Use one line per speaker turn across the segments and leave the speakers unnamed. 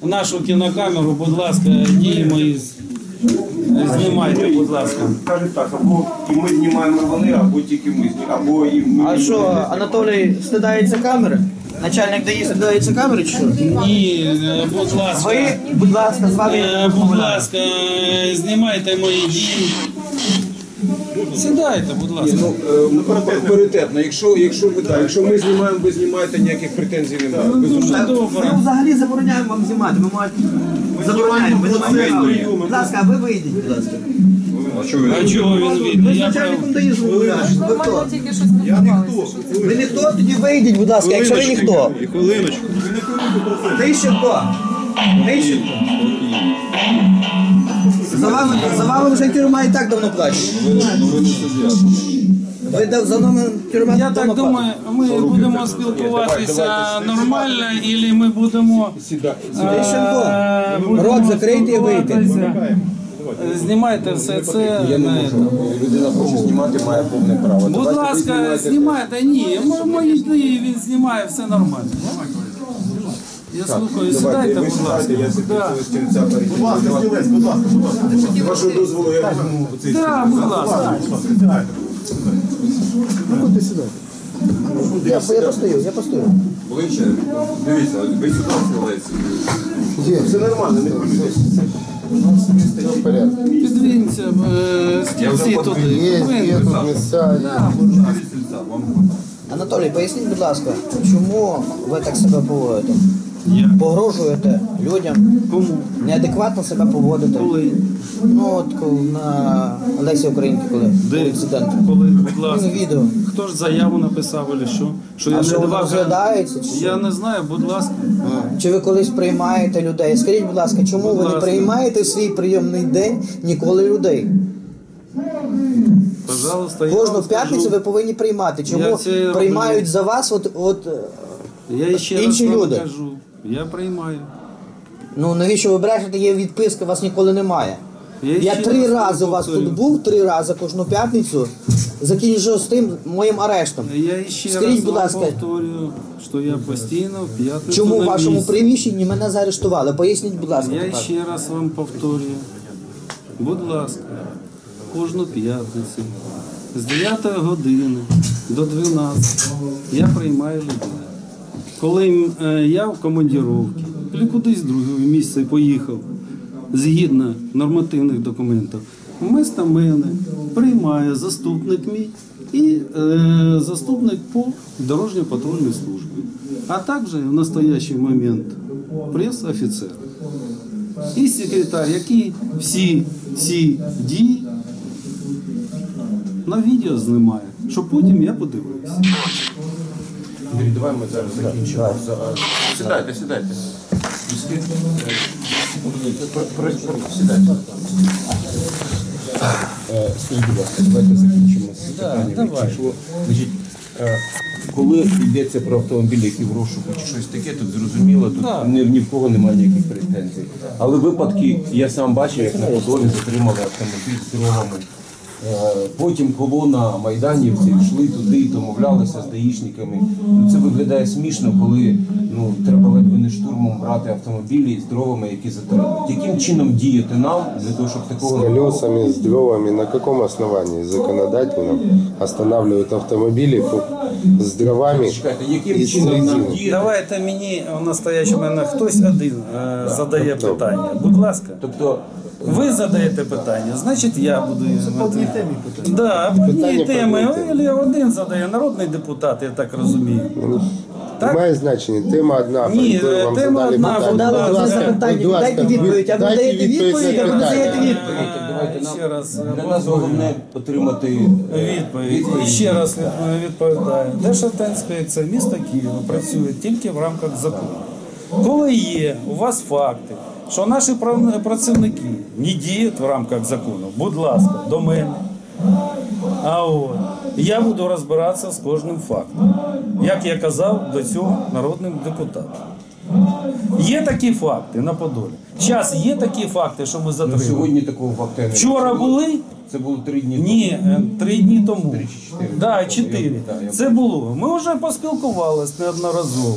нашу кінокамеру, будь ласка, дії мої знімайте, будь ласка.
Кажуть так, або і ми знімаємо вони, або тільки ми знімаємо, або і ми.
А що, Анатолій стидається камери? Начальник ДАІ стидається камери чи що?
Ні, будь ласка.
Ви, будь ласка, з вами...
Будь ласка, знімайте мої дії. Сідайте, будь ласка.
Паритетно. Якщо ми знімаємо, ви знімаєте, ніяких претензій немає.
Ми взагалі забороняємо вам знімати. Ми забороняємо. Ми знімаємо. Будь ласка, а ви вийдіть, будь ласка.
А чого він
Ви
вийде?
з начальником ДАІ розмовляєте. Ви хто?
Тільки щось спілкувалися.
Ви ніхто? Тоді вийдіть, будь ласка, якщо ви ніхто.
Хвилиночку.
Тищенко. Тищенко. За вами вже тюрма і так давно плаче. Ви за нами тюрма
Я
давно
так думаю, ми будемо спілкуватися нормально, або ми будемо...
Тищенко, рот закрийте і вийти.
Знімайте все це.
Людина хоче знімати, має повне право.
Будь ласка, знімайте. Ні, мої дії він знімає, все нормально. Я слухаю, сідайте, будь ласка.
Будь ласка, стілець, будь ласка. Вашого дозволу я візьму цей стілець.
Так, будь ласка.
Я постою.
Ближче. Дивіться, ви сюди стілець. Все нормально, не хвилюйтесь.
Підвінься, стільці туди.
Анатолій, поясніть, будь ласка, чому ви так себе поводите? Погрожуєте людям?
Кому?
Неадекватно себе поводите?
Коли?
Ну от на Лесі Українки, коли
Де?
інцидент.
Коли, будь ласка.
Відео.
Хто ж заяву написав, або що? Що я
А
не
що воно
давав?
розглядається? Чи що?
Я не знаю, будь ласка.
Чи ви колись приймаєте людей? Скажіть, будь ласка, чому
Будь
ви не
ласка.
приймаєте в свій прийомний день ніколи людей?
Пожалуйста, я
Кожну
вам
п'ятницю
скажу.
ви повинні приймати.
Я
Чому
це роблю.
приймають за вас
Я ще
інші
раз вам
люди?
кажу. Я приймаю.
Ну навіщо ви брешете, є відписка, вас ніколи немає. Я
ще
3
раз
рази у вас
повторю.
тут був, 3 рази кожну п'ятницю, закінчив з тим моїм арештом.
Я ще
Скажіть,
раз
будь
вам
ласка,
повторюю, що я постійно в п'ятницю
чому в
на
вашому
місці.
приміщенні мене заарештували? Поясніть, будь ласка.
Я
тепер.
ще раз вам повторюю. Будь ласка, кожну п'ятницю з 9 години до 12 я приймаю людей. Коли я в командировці, чи кудись в друге місце поїхав, згідно нормативних документів, вместо мене приймає заступник мій і заступник по дорожньо-патрульній службі, а також в настоящий момент прес-офіцер і секретар, який всі ці дії на відео знімає, щоб потім я подивився.
Андрій, давай ми зараз закінчимо. Сідайте. Сідайте. Скажіть, будь ласка, давайте закінчимо з питанням.
давай.
Значить, коли йдеться про автомобілі, які в розшуку чи щось таке, тут зрозуміло, тут ні в кого немає ніяких претензій. Але випадки, я сам бачив, як на Подолі затримали автомобіль з дровами. Потім колона майданівців йшли туди, домовлялися з даїшниками. Це виглядає смішно, коли треба ледве не штурмом брати автомобілі з дровами, які затримують. Яким чином діяти нам для того, щоб такого не було?
Колесами, с дровами, на каком основании законодательном останавливают автомобили с дровами
Чекайте,
и
яким
с
чином нам
резиной?
діяти?
Давайте мені в настоящому мене хтось один задає питання. Будь ласка.
Тобто,
Ви задаєте питання, значить я буду. По одній темі питання. Так, по одній
Питання
темі.
по одній темі.
Один задає, народний депутат, я так розумію. Так?
Немає значення, тема одна,
Ні,
про яку вам
тема
задали
одна,
питання.
будь
Дали
ласка.
одне запитання,
Будь ласка,
дайте відповідь, а ви
дайте
даєте відповідь, а ви не
на
даєте
питання.
відповідь.
давайте нам,
Ще раз
для нас головне отримати
відповідь. І ще раз відповідаю. Державтоінспекція міста Києва працює тільки в рамках закону. Коли є у вас факти, що наші працівники не діють в рамках закону, будь ласка, до мене. А от я буду розбиратися з кожним фактом, як я казав до цього народним депутатам. Є такі факти на Подолі. Зараз є такі факти, що ми затримали.
сьогодні такого факту. не
Вчора
було.
були?
Це було 3 дні тому.
Ні, 3 дні тому.
3 чи 4.
Так, 4. Це було. Ми вже поспілкувалися неодноразово.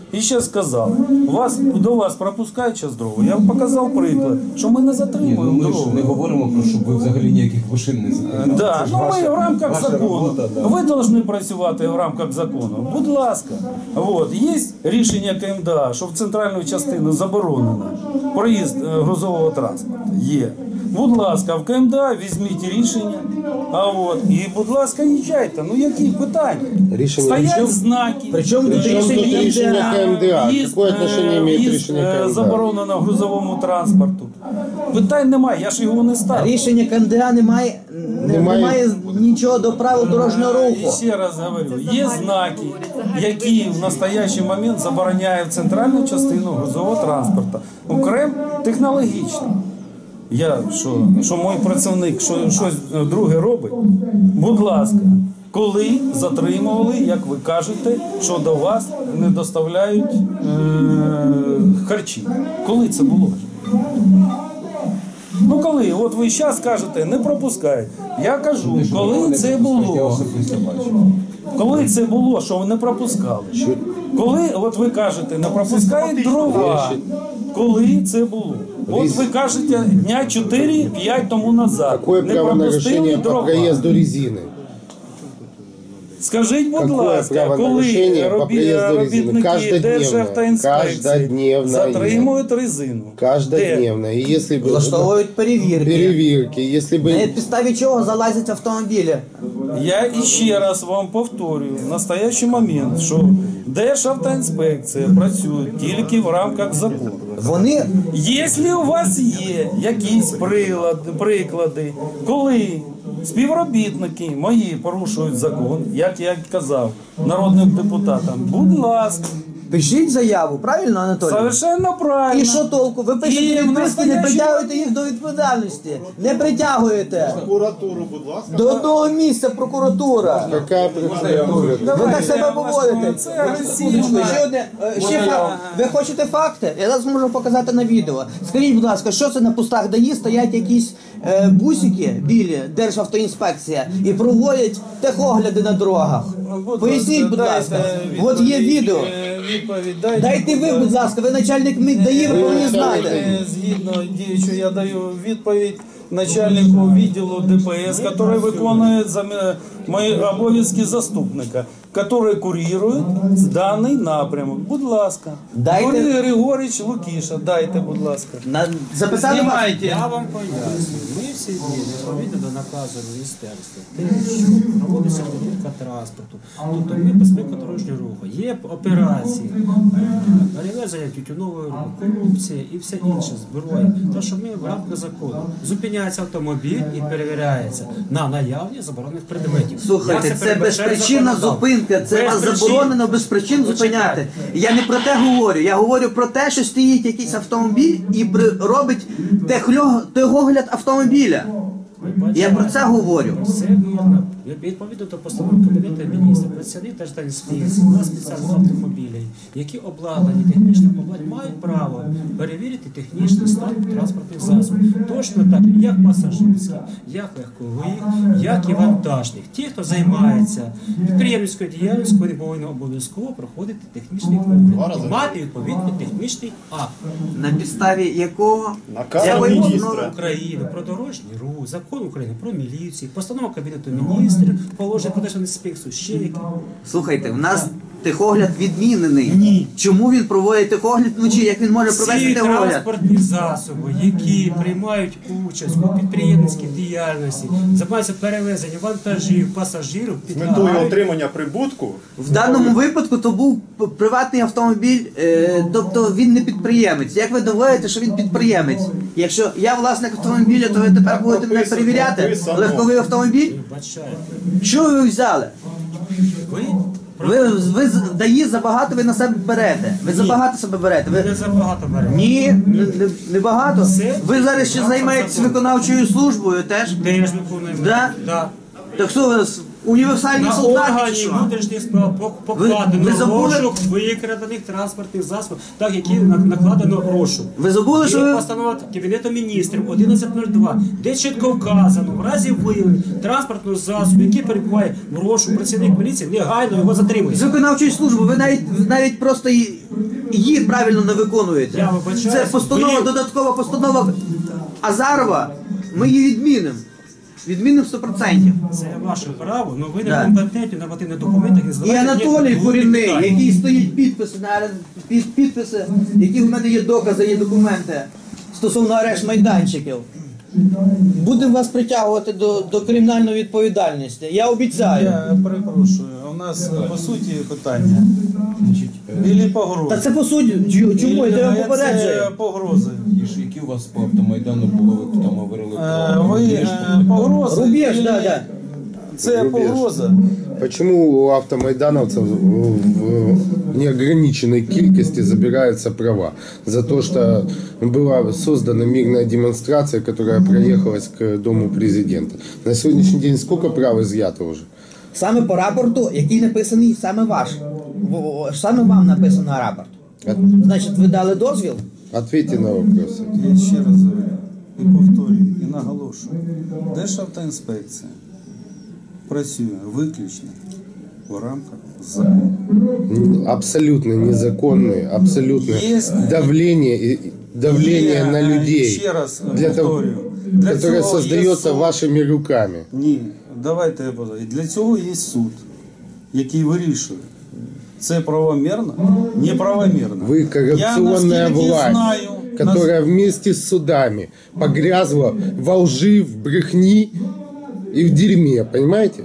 І ще сказали, до вас пропускають час дорогу. Я вам показав приклад, що ми не
Ні, ну
затримуємо
ми ж
дорогу.
не говоримо про, щоб ви взагалі ніяких машин не затримали.
Да, ну ми в рамках
ваша
закону.
робота, да.
Ви повинні працювати в рамках закону. Будь ласка. От. Є рішення КМДА, що в центральну частину заборонено проїзд грузового транспорту. Є. Будь ласка, в КМДА візьміть рішення. І, будь ласка, їжджайте. Ну які питання?
Рішення
Стоять
причому?
знаки.
Причому тут
Причем тут рішення КМДА?
В'їзд,
Какое отношение имеет
в'їзд,
рішення КМДА?
заборонено грузовому транспорту. Питань немає, я ж його не ставлю.
Рішення КМДА немає нічого до правил дорожнього
І
руху.
ще раз говорю, є знаки, які в настоящий момент забороняють центральну частину грузового транспорту. Окремо технологічно. Що мій працівник щось друге робить, будь ласка, коли затримували, як ви кажете, що до вас не доставляють харчі. Коли це було? Ну коли? От ви зараз кажете, не пропускають. Я кажу, коли це
Я
було?
особисто бачу.
Коли це було, що ви не пропускали? Коли, от ви кажете, не пропускають дрова. Коли це було? От ви кажете, дня 4-5 тому назад.
Какое
Не
право на
пропустили
решение по
дрова.
проезду резины?
Скажіть, будь
Какое
ласка,
право на
коли
решение по проезду резины?
робітники
Каждодневное.
Державтоінспекції
Каждодневное.
затримують резину?
Каждодневно. И если бы...
Влаштовують перевірки.
Перевірки. Если
На
бы...
підставі чого залазять автомобілі.
Я іще раз вам повторюю, в настоящий момент, що Державтоінспекція працює тільки в рамках закону.
Вони
Якщо у вас є якісь приклади, коли співробітники мої порушують закон, як я казав народним депутатам, будь ласка,
пишіть заяву, правильно, Анатолій?
совершенно правильно.
І що толку? Ви
І
пишете
в
відписки, не
настоящий
притягуєте їх до відповідальності. Не притягуєте.
Прокуратуру, будь ласка.
До одного місця прокуратура.
Какая прокуратура?
Ви так себе поводите.
Це агресивно.
Ще одне, ще факт. Ви хочете факти? Я зараз можу показати на відео. Скажіть, будь ласка, що це на пустах ДАІ стоять якісь бусики білі, Державтоінспекція, і проводять техогляди на дорогах? Поясніть, будь ласка. От є відео.
Відповідь
Дайте ви, будь ласка, ви начальник ДАІ, ви повинні знати.
Згідно діючого, я даю відповідь начальнику відділу ДПС, який виконує мої обов'язки заступника, який курує даний напрямок. Будь ласка.
Дайте-
Юрій Григорович Лукіша, дайте, будь ласка.
Записати вас.
Знімайте.
Я вам пояснюю, ми всі зміни відповідно до наказу міністерства, те, що проводиться перевірка транспорту, тобто ми безпека дорожнього руху, є операції, перевезення тютюнової корупції і все інше, зброї, то що ми в рамках закону зупиняється автомобіль і перевіряється на наявність заборонених предметів.
Слухайте,
Як
це
передбачає
безпричинна
законодавство?
зупинка, це
Без
вас
причин.
заборонено без причин зупиняти. Я не про те говорю, я говорю про те, що стоїть якийсь автомобіль і робить техогляд автомобіля. Я про це говорю.
Все вірно. Відповідно до постанови Кабінету міністрів, працівник Держтранспорту на спеціальних автомобілів, які обладнані технічним обладнанням, мають право перевірити технічний стан транспортних засобів. Точно так, як пасажирських, як легкових, як і вантажних. Ті, хто займається підприємницькою діяльністю, вони повинні обов'язково проходити технічний огляд, мати відповідний технічний акт.
На підставі якого
Наказ
якої
міністра.
постанови?
України про дорожній рух, закон України про міліцію, постанова Кабінету міністрів, положення про Держінспекцію, ще які.
Слухайте, в нас техогляд відмінений.
Ні.
Чому він проводить техогляд вночі? Як він може провести
Всі
техогляд?
транспортні засоби, які приймають участь у підприємницькій діяльності, займаються перевезенням вантажів, пасажирів,
З метою
підлягають
отримання прибутку
В даному випадку то був приватний автомобіль, тобто він не підприємець. Як ви доводите, що він підприємець? Якщо я власник автомобіля, то ви тепер будете мене перевіряти?
прописано.
Легковий автомобіль?
бачають.
Що ви взяли?
Ви
Ви ДАІ забагато ви на себе берете. Ви забагато себе берете.
не
Ви...
забагато берете.
Ні, не багато.
Це-
Ви зараз ще займаєтесь виконавчою службою теж?
Теж виконуємо.
Да?
Да.
Так що ви нас універсальні
На
солдати чи
органі
що?
внутрішніх справ
ви
покладено
забули?
розшук викрадених транспортних засобів, так які накладено розшук.
Ви забули, що
Є
ви...
постанова Кабінету міністрів 1102, де чітко вказано, в разі виявлення транспортного засобу, який перебуває в розшуку, працівник міліції негайно його
З
затримує.
виконавчої служби ви навіть просто її правильно не виконуєте.
Я вибачаюсь,
Це постанова,
ви-
додаткова постанова Азарова, ми її відмінимо. Відмінимо 100%.
Це ваше право, але ви
Да.
не компетентні нормативних документах не
І
здавайте
Анатолій
ніяких
Корінний,
питань.
який стоїть підписи, підписи, які в мене є докази, є документи стосовно арешт майданчиків. Будемо вас притягувати до кримінальної відповідальності. Я обіцяю.
Я перепрошую, у нас по суті питання. Білі погрози.
Та це по суті, чому? Я вам попереджую.
Це погрози.
Які у вас по автомайдану було, ви там говорили
Ви погрози.
Рубеж,
і
да, да.
Це
Рубеж.
погроза.
Почему у автомайдановцев в неограниченной кількости забираются права? За то, что была создана мирная демонстрация, которая проехалась к Дому президента. На сегодняшний день сколько прав изъято уже?
Саме по рапорту, який написаний саме ваш. Саме вам написано рапорт. Значить, ви дали дозвіл?
Ответьте на вопросы.
Я ще раз говорю і повторюю, і наголошую. Державтоінспекція працює виключно в рамках закону.
Абсолютно незаконные, абсолютно
Есть-
давление
Є,
на людей,
ще раз
для того,
повторюю, для
которое
цього є
создается
суд.
вашими руками.
Ні, давайте я буду. І для цього є суд, який вирішує. Це правомірно? Неправомірно.
Вы коррупционная
Я, наскільки
власть,
знаю,
которая вместе с судами погрязла во лжи, в брехни и в дерьме, понимаете?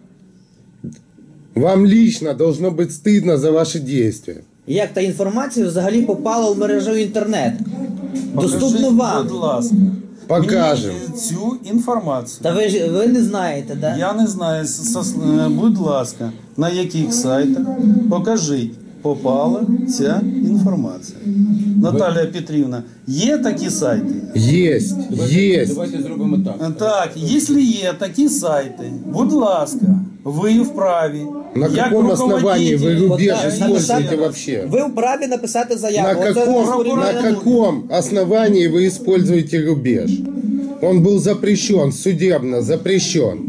Вам лично должно быть стыдно за ваши действия.
Як та інформація взагалі попала в мережу інтернет?
покажіть,
Доступно вам.
будь ласка,
Покажем.
мені цю інформацію.
Та ви не знаєте, да?
Я не знаю, будь ласка, на яких сайтах покажіть, попала ця інформація. Наталія Петрівна, є такі сайти?
Есть, есть.
Давайте зробимо так.
Так, якщо є такі сайти, будь ласка, ви вправі.
На
як
каком основании вы
руководитель-
рубеж
Вот,
используете
написати-
вообще?
Ви вправі написати
На
заяву. Оце
каком,
розпорядження.
на каком основании вы используете рубеж? Он был запрещен, судебно запрещен.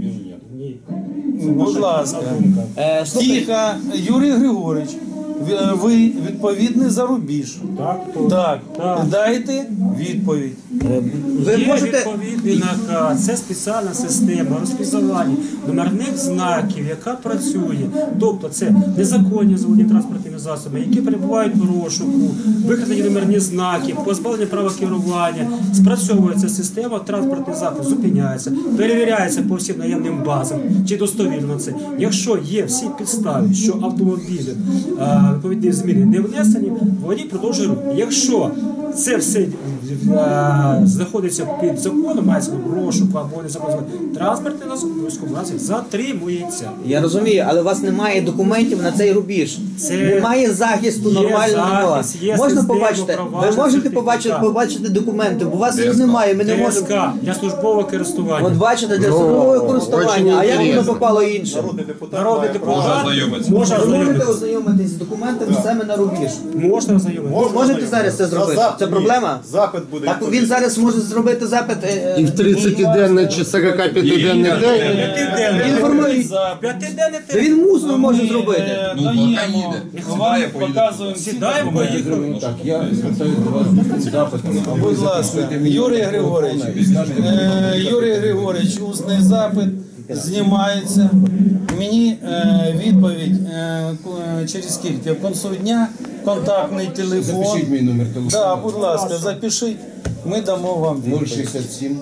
Будь ласка.
Слухайте,
Тихо, Юрій Григорович, ви відповідний за рубіж. Так. Дайте відповідь.
ви
Є
можете...
відповідний наказ, це спеціальна система розпізнавання номерних знаків, яка працює. Тобто це незаконні заводні транспортними засобами, які перебувають у розшуку, викрадені номерні знаки, позбавлення права керування, спрацьовується система, транспортний засіб зупиняється, перевіряється по всім наявним базам, чи достовірно це. Якщо є всі підстави, що автомобілі відповідні зміни не внесені, водій продовжує рух. Якщо це все знаходиться під законом, мається в розшуку або незаконно, транспортний засіб обов'язково разі затримується.
Я розумію, але у вас немає документів на цей рубіж.
Це-
Немає захисту
Є
нормального.
захист, є
Можна
система
побачити? Ви
впровадження
можете
сертифікату.
побачити документи, бо у вас їх немає, ми не можемо.
ТСК для службового користування.
От бачите, для службового
очень
користування, а як воно
інтересно.
попало іншим?
Народний депутат
Народний
має право.
депутат може
Ви можете
ознайомитися.
ознайомитись з документами саме на рубіж.
Можна ознайомитися.
Можете зараз це зробити? Це проблема?
Запит буде.
Так він зараз може зробити запит.
И в 30-денный чи 45-денный день
Інформує.
П'ятиденний
Та він мусно може зробити.
Даємо, вам показуємо всі
Сідаємо,
документи.
поїхали.
Так, я звертаюся до вас з запитом. А ви
Будь ласка,
записуйте мені
Юрій Григорович,
і скажете мені,
Юрій Григорович, усний запит знімається. Мені відповідь через скільки? В кінці дня, контактний телефон.
запишіть мій номер телефону.
Да, будь ласка, запишіть, ми дамо вам відповідь.
067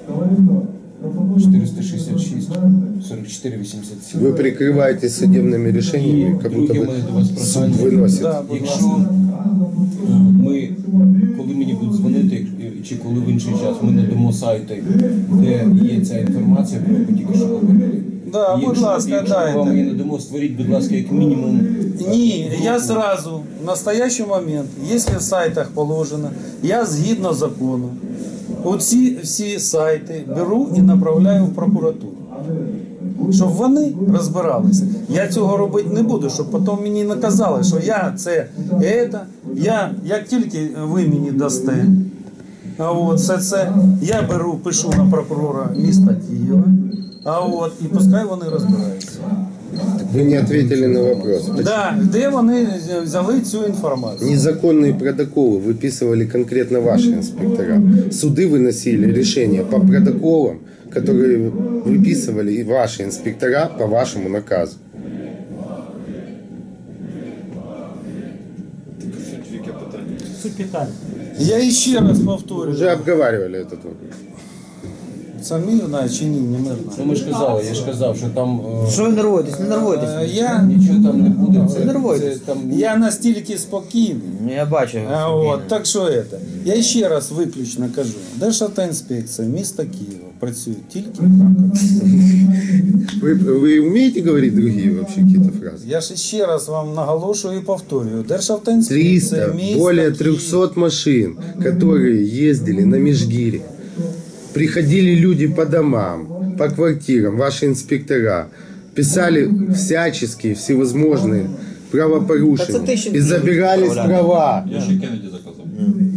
466 44 87.
вы прикрываетесь судебными решениями, как будто
Друге
бы
мене до вас
суд
прохання.
выносит.
Да, будь ласка.
Якщо ми, коли мені будуть дзвонити, чи коли в інший час, ми надамо сайти, де є ця інформація, про яку тільки що говорили.
Да, будь ласка,
якщо
дайте.
вам її надамо, створіть, будь ласка, як мінімум.
Ні, я сразу, в настоящий момент, якщо в сайтах положено, я згідно закону, оці всі сайти беру і направляю в прокуратуру. Щоб вони розбиралися. Я цього робити не буду, щоб потім мені наказали, що я це, як тільки ви мені дасте, а от все це, я беру, пишу на прокурора міста Києва, а от, і пускай вони розбираються.
Вы не ответили на вопрос.
Да, де вони взяли цю інформацію?
Незаконные протоколы выписывали конкретно ваши инспектора. Суды выносили решения по протоколам, которые выписывали и ваши инспектора по вашему наказу.
Яке питання?
Суть питання.
Я ще раз повторюю.
Уже обговаривали этот вопрос.
Це мирно чи ні, не мирно?
Ну ми ж казали, я ж казав, що там
Що ви нервуєтесь? Не нервуєтесь.
Я,
нічого там не буде.
Не нервуйтесь.
там
я настільки спокійний.
Я бачу.
От, так що це? Я ще раз виключно кажу. Державтоінспекція міста Києва працює тільки в рамках.
Вы умеете говорить другие вообще какие-то фразы?
Я ж ще раз вам наголошую і повторюю. Державтоінспекція
300,
міста
более
Києва.
300 машин, которые ездили на Межгире. Приходили люди по домам, по квартирам, ваши инспектора, писали всяческие, всевозможные правопорушения
Да это тысячи
и забирались права.
Я ще Кеннеді заказав.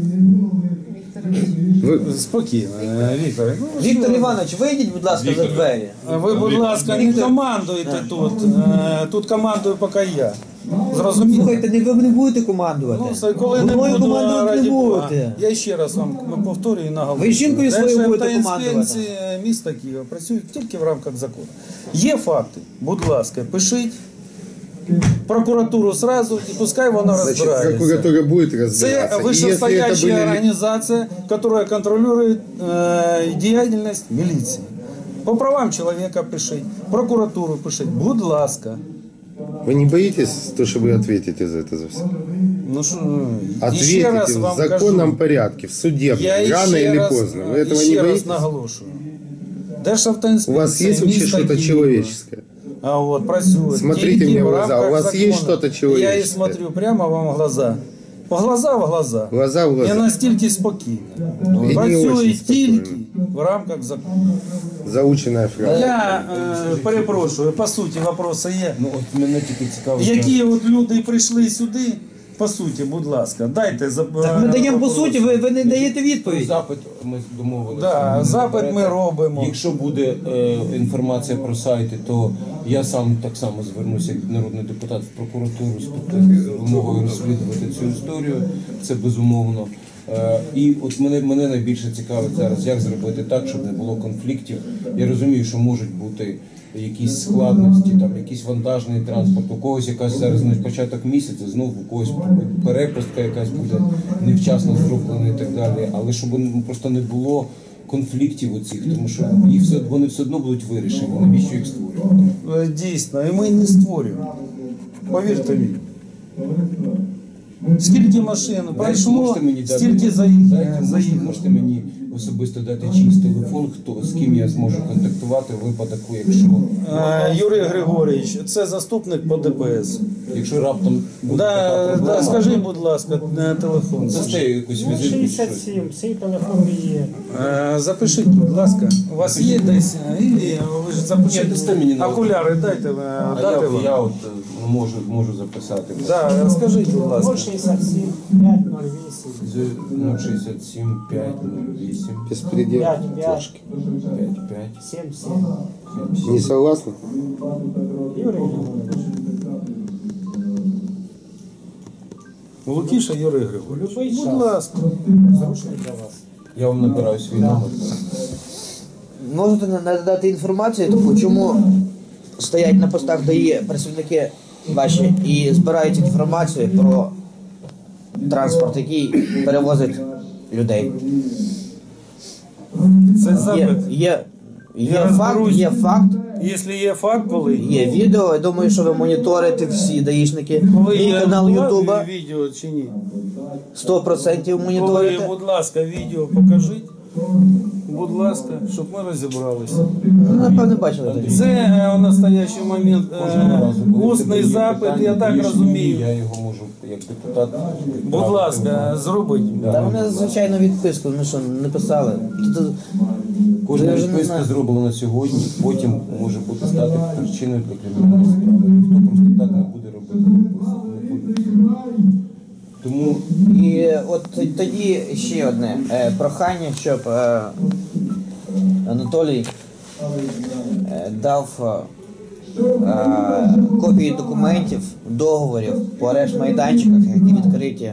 Спокійно, Віктор. Ну,
Віктор Іванович, вийдіть, будь ласка, за двері.
ви, будь ласка, не командуйте тут. Тут командую поки я. Зрозуміло?
Слухайте, ви не будете командувати.
Ну, все, коли не
Мною
буду,
командувати
раді
не
Бога.
будете.
Я ще раз вам повторюю і наголошую.
Ви жінкою своєю будете
Державтоінспекція
командувати.
міста Києва працюють тільки в рамках закону. Є факти, будь ласка, пишіть. Прокуратуру сразу і пускай вона
Значит,
розбирається.
прокуратура будет
Це
разбираться. И если это
вышестоящая
были...
организация, которая контролирует деятельность милиции. По правам человека пишіть, прокуратуру пишіть, будь ласка.
Вы не боитесь, то, что вы ответите за это за все?
Ну, що, і ще
Ответите
раз
в
вам
законном
кажу,
порядке, в судебном,
я
рано
ще
или
раз,
поздно. Вы этого
ще
не
раз
боитесь?
наголошую.
У
Державтоінспекція
вас есть вообще
міста
что-то
Києва.
человеческое?
А вот працює.
Смотрите
тільки
мне в
в
глаза.
рамках
У вас
закону.
есть что-то человеческое?
Я и смотрю прямо вам в глаза. В глаза в глаза.
Глаза в глаза.
Я настільки спокійно.
не
Працює
очень
тільки
спокійно.
в рамках закону.
Заученная фраза.
Я перепрошую, по суті, вопроси є.
ну от мене тільки цікаво.
Які от люди прийшли сюди, по суті, будь ласка, дайте
Так ми даємо по суті, ви не даєте відповідь.
Запит ми домовилися.
Да, запит ми робимо.
Якщо буде інформація про сайти, то я сам так само звернуся як народний депутат в прокуратуру з вимогою розслідувати цю історію. Це безумовно. І от мене найбільше цікавить зараз, як зробити так, щоб не було конфліктів. Я розумію, що можуть бути якісь складності, там якийсь вантажний транспорт, у когось якась зараз на початок місяця, знову у когось перепустка якась буде невчасно зроблена і так далі. Але щоб просто не було конфліктів оцих, тому що вони все одно будуть вирішені. Навіщо їх створювати?
Дійсно, і ми не створюємо. Повірте мені. Скільки машин пройшло,
Можете мені дати-
стільки заїхало.
можете мені особисто дати чийсь телефон, з ким я зможу контактувати в випадку,
Юрій Григорійович, це заступник по ДПС.
якщо раптом буде така
Да,
проблема.
скажіть, будь ласка, телефон.
Дасте якусь візитку чи щось.
67, цей телефон є.
Запишіть, будь ласка. У вас є десь, і ви ж
Ні,
запишіть.
дасте мені на
Окуляри дайте,
А
дати
я
вам.
от можу записати.
Да, скажіть, будь ласка.
067 508
067 508
Беспредел.
55
55
77.
Не согласны?
Юрій Григорович.
Лукіша Юрій Григорович.
Любий
Будь
час.
ласка.
Зручний для вас.
Я вам набираю свій номер.
Можете надати інформацію, таку, чому стоять на постах ДАІ працівники ваші і збирають інформацію про транспорт, який перевозить людей.
Це запит.
Є
Я
факт,
розберусь.
є факт,
Якщо є факт, коли
є відео. Я думаю, що ви моніторите всі даїшники.
Коли
Мій
є
канал Ютуба
відео чи ні?
100%
Коли,
моніторите.
будь ласка, відео покажіть. Будь ласка, щоб ми розібралися.
Ну, напевно, бачили тоді.
Це в настоящий момент
Кожного разу, коли в тебе
усний
є
запит,
питання,
я так
є
розумію.
Я його можу як депутат.
Будь ласка, зробіть.
Та вони, звичайно, відписку, ну що, не писали.
Кожна
Я вже не
відписка
знаю.
зроблена сьогодні, потім може бути стати причиною для кримінальної справи. Ніхто просто так не буде робити. Не буде. Тому
І от тоді ще одне прохання, щоб Анатолій дав копії документів, договорів по арешт майданчиках, які відкриті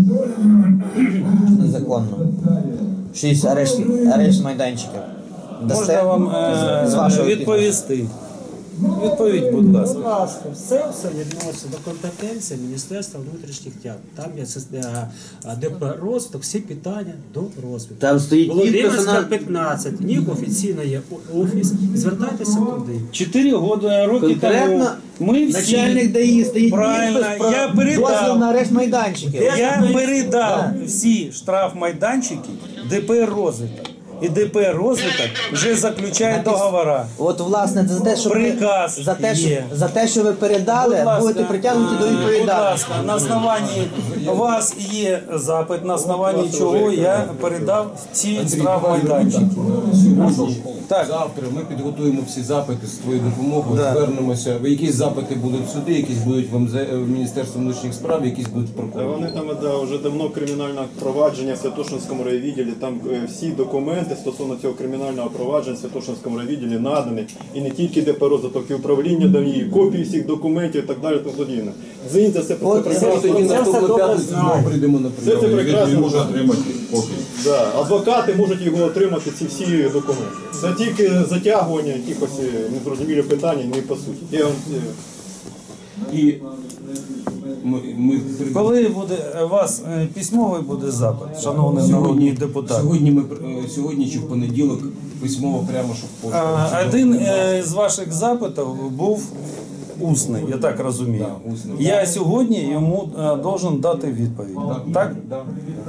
незаконно. 6 арешт майданчиків.
Можна вам
з вашого
відповісти? Відповідь, будь ласка.
Будь ласка, все відноситься до компетенції Міністерства внутрішніх справ. Там є ДП розвиток, всі питання до розвитку.
Там стоїть
Володимирська
підписана-
15, в них офіційно є офіс, звертайтеся туди.
4 роки
Конкретно
тому ми всі...
начальник ДАІ стоїть
Правильно,
підпис про
я передав.
дозвіл на арешт майданчиків.
Я передав всі штрафмайданчики ДП «Розвиток». І ДП «Розвиток» вже заключає договори.
От, власне, за те, що
Приказ є.
за те, що ви передали, будете притягнуті до
Будь
відповідальності.
ласка, на основанні у вас є запит, на основанні чого я передав ці штрафмайданчики. Так.
Завтра ми підготуємо всі запити з твоєю допомогою, звернемося. Якісь запити будуть в суди, якісь будуть в Міністерстві внутрішніх справ, якісь будуть в
Та
прокуратурі.
вони там вже давно кримінальне провадження в Святошинському райвідділі. Там всі документи стосовно цього кримінального провадження в Святошинському райвідділі надані. І не тільки ДП «Розвиток», і управління дають, копії всіх документів і так далі. Тому подібне. Зінь це все про це прекрасно.
Тоді наступну п'ятницю знову прийдемо на
Це
прийом.
прекрасно.
Може отримати копію.
Да. Адвокати можуть його отримати, ці всі документи. Це тільки затягування якихось незрозумілих питань, не по суті. Я вам,
І ми
Коли буде у вас письмовий буде запит, шановний народний депутат?
Сьогодні чи в понеділок письмово прямо, щоб пошту.
Один з ваших запитів був усний, я так розумію.
Да, усний.
Я сьогодні йому должен дати відповідь. Так?
Да.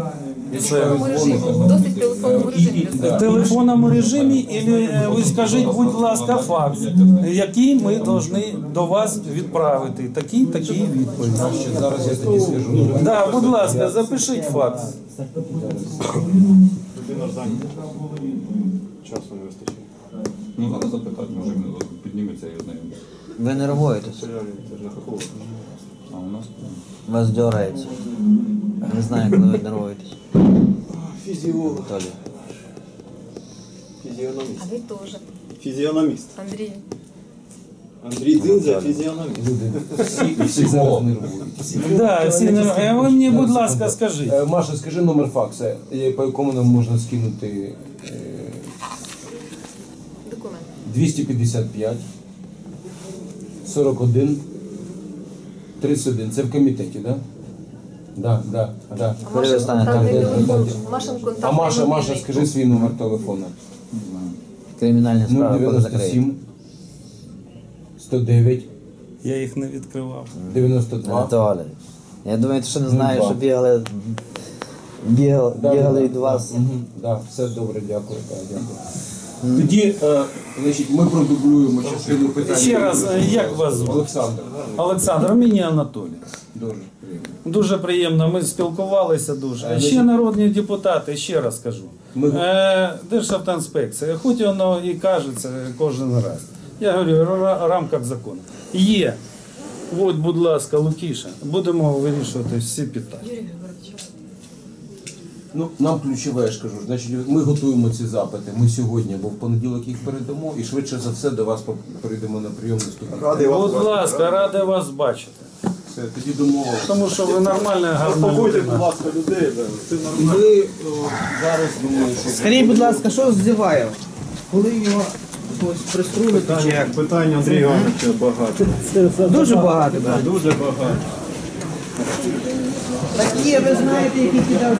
Досить в телефонному режимі.
В телефонному режимі, і ви скажіть, будь ласка, факт, який ми повинні до вас відправити. Такі відповіді.
Зараз я тоді скажу.
Да, будь ласка, запишіть факт.
людина ж зайнята. Часу не вистачає.
Ну, треба запитати, може він підніметься і ознайомиться.
Ви нервуєтесь,
Це ж не фахово.
А у нас?
вас дьорається. Не знаю, коли ви нервуєтесь.
Фізіолог.
Анатолій.
Фізіономіст.
А ви теж,
Фізіономіст.
Андрій.
Андрій Дзинза, фізіономіст.
Всі зараз нервують.
Да, всі не- ви мені, будь ласка, скажіть.
Маша, скажи номер факса, по якому нам можна скинути
Документ.
255 41 31. Це в комітеті, так? Да? Да.
А Машин контактний телефон. Машин
А
контактний
Маша,
мобільний.
скажи свій номер телефону.
Кримінальні справи коли закриють.
097 109
Я їх не відкривав.
92.
Анатолій. Я думаю, ти що не знаєш, що бігали від вас.
Да, все добре, дякую. Так, дякую. Тоді, значить, ми продублюємо частину питань.
Ще раз, як вас звати?
Олександр.
Олександр, мені Анатолій.
Дуже приємно.
Дуже приємно, ми спілкувалися дуже. Ще народні депутати, ще раз кажу. Державтоінспекція, хоч воно і кажеться кожен раз. Я говорю, в рамках закону. Є. От, будь ласка, Лукіша, будемо вирішувати всі питання.
Ну, нам ключове, я ж кажу, значить, ми готуємо ці запити. Ми сьогодні, або в понеділок їх передамо, і швидше за все до вас прийдемо на прийом наступного.
Будь ласка, радий вас бачити.
Все, тоді домовилися.
Тому що ви нормальна, гарна
Заспокойте,
людина.
будь ласка, людей. да. Це нормально.
Ми зараз думаю, що
Скажіть, будь ласка, що з Зіваєв? Коли його приструлити чи як?
Питання Андрія Івановича багато.
Дуже багато, так?
Дуже багато.
Такі, ви знаєте, які кидав